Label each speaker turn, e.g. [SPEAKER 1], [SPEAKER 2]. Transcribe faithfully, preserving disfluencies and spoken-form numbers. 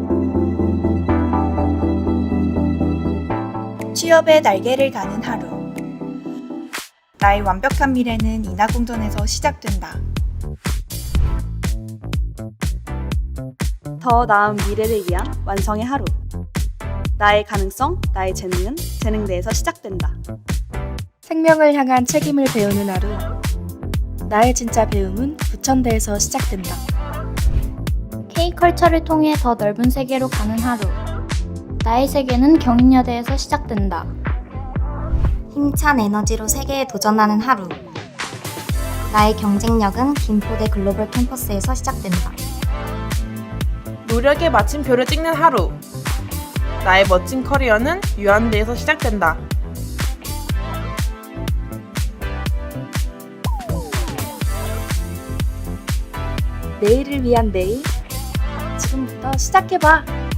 [SPEAKER 1] 취업의 날개를 다는 하루. 나의 완벽한 미래는 인하공전에서 시작된다.
[SPEAKER 2] 더 나은 미래를 위한 완성의 하루. 나의 가능성, 나의 재능은 재능대에서 시작된다.
[SPEAKER 3] 생명을 향한 책임을 배우는 하루. 나의 진짜 배움은 부천대에서 시작된다.
[SPEAKER 4] K컬처를 통해 더 넓은 세계로 가는 하루. 나의 세계는 경인여대에서 시작된다.
[SPEAKER 5] 힘찬 에너지로 세계에 도전하는 하루. 나의 경쟁력은 김포대 글로벌 캠퍼스에서 시작된다.
[SPEAKER 6] 노력의 마침표를 찍는 하루. 나의 멋진 커리어는 유한대에서 시작된다.
[SPEAKER 3] 내일을 위한 내일. 지금부터 시작해봐.